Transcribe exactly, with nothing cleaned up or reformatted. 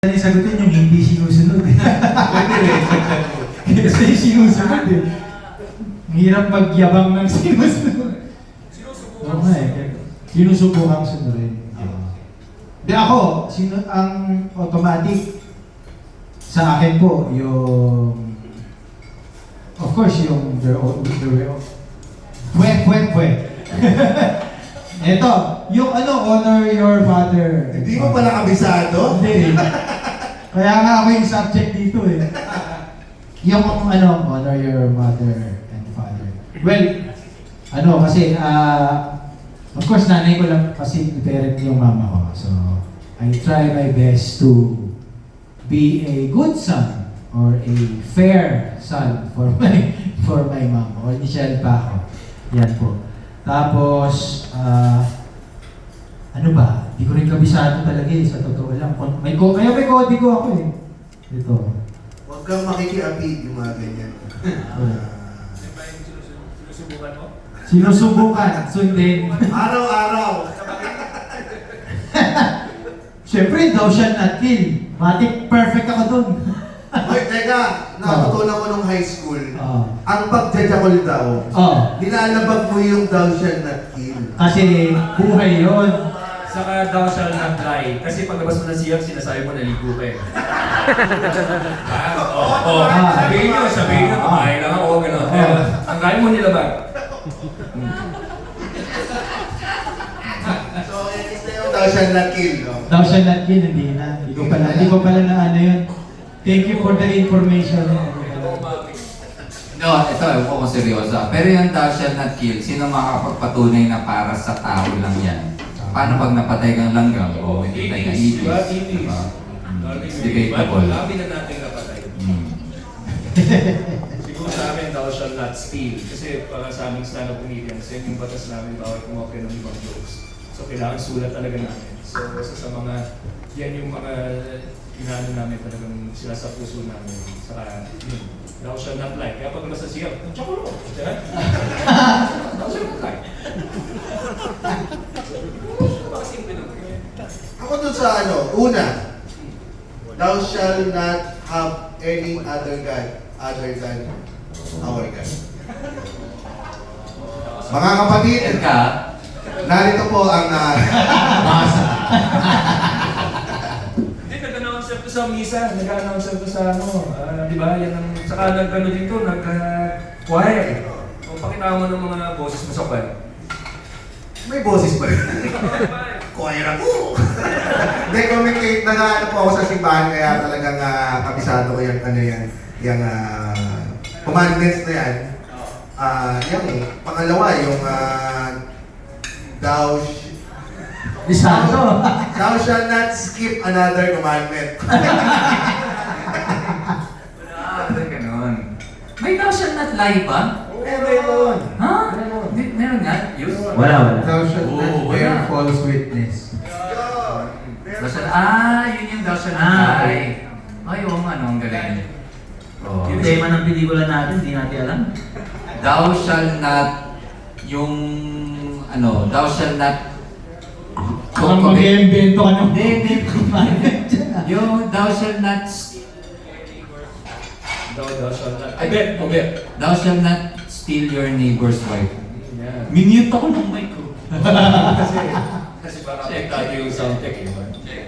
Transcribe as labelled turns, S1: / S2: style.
S1: Yan yung sagutin yung hindi sinusunod eh.
S2: Pwede rin.
S1: Kasi yung sinusunod eh. Ang hirap magyabang ng sinusunod. Oo nga eh. Sinusubukan sunodin. Di ako, sino, ang automatic sa akin po, yung of course, yung their own, their own. Pwet, pwet, pwet. Eto, yung ano, honor your father.
S2: Hindi mo pala kabisado?
S1: Hindi. Kaya nga ako yung subject dito eh. Yung ano, honor your mother and father. Well, ano kasi, uh, of course, nanay ko lang kasi parent yung mama ko. So, I try my best to be a good son or a fair son for my for my mom. Or Michelle pa ako. Yan po. Tapos, ah, uh, ano ba? Hindi ko rin kabisado talaga eh, sa totoo lang. May ko, kaya may kodigo ako eh. Ito.
S2: Huwag kang makikiapid yung mga ganyan.
S1: Uh,
S3: Sinusubukan mo?
S1: sinusubukan, sundin.
S2: Araw-araw.
S1: Siyempre, thou shalt not kill. Matik, perfect ako dun.
S2: Hoy, teka, natutunan ko nung high school,
S1: Oo.
S2: ang pagjajakol daw,
S1: Oh,
S2: nilalabag mo yung thou shall not kill.
S1: kasi buhay yon.
S3: Saka thou shall not lie. Kasi paglabas mo ng siyang, sinasabi mo naligo ka eh. Ah, oo. Oh,
S1: Ah.
S3: Sabihin nyo, sabihin nyo, kumain lang ako, gano'n.
S1: Ah.
S3: Pero ang kaya mo nilabag.
S2: So, it is na yung thou shall not kill, no?
S1: Thou shalt not kill, hindi na. Hindi ko pala, hindi ko pala na ano yun. Thank you for the information.
S4: No, ito, ewan ko kung seryoso. Pero yung thou shall not kill, sino makakapagpatunay na para sa tao lang yan? Paano pag napatay kang langgam o hindi tayo
S3: Itis,
S4: kaitis?
S3: diba? Itis.
S4: Diba? It's debatable.
S3: Labi na natin napatay.
S4: Hmm.
S3: Siguro sa akin, thou shall not steal. Kasi para sa aming stand-up comedians, yan yung batas namin bawal kumopya ng ibang jokes. So kailangan sulat talaga namin. So isa sa mga, yan yung mga inaano namin talagang sila sa puso namin. Saka, yun, thou shall not lie. Kaya pag nasa siya, tsaka ko, diba? Thou shall not lie. Makasimple lang.
S2: Ako dun sa ano, una, thou shall not have any other God other than our God. Mga kapatid,
S4: Yan ka,
S2: narito po ang uh, masa.
S3: Hindi, nag-announce to sa misa, nag-announce to sa ano, ah, di ba? Yan ang, saka nag-ano dito, nag-choir. Kung pakita mo ng mga boses mo sa choir.
S2: May boses pa rin. Choir ako. Hindi, communicate na nga ano po ako sa simbahan, kaya talagang uh, kabisado ko yung ano yan, yung uh, commandments na yan. Ah, uh, yung pangalawa, yung uh, thou sh-
S1: Bisado.
S2: thou shall not skip another commandment.
S4: ah, ganun. May thou shall not lie ba?
S2: Meron.
S4: Ha? Di, meron nga? Yun?
S1: Wala, wala.
S2: Thou shalt
S4: Oo,
S2: not
S4: wala.
S2: bear false witness.
S4: Thou shall, ah, yun yung thou shall not
S1: Ah,
S4: lie. Ay, oo nga, no, ang galing. Oh.
S1: Yung tema ng pelikula natin, hindi natin alam.
S4: Thou shall not, yung, ano, thou shall not,
S1: Kung mag-iimbento ka ng
S4: Hindi, hindi. yung thou shall not,
S3: Thou, thou shall not. Ay, bet, o bet.
S4: thou shall not steal your neighbor's wife.
S3: Yan.
S4: Minute ako ng mic ko.
S3: Kasi, kasi baka apektado yung sound tech eh.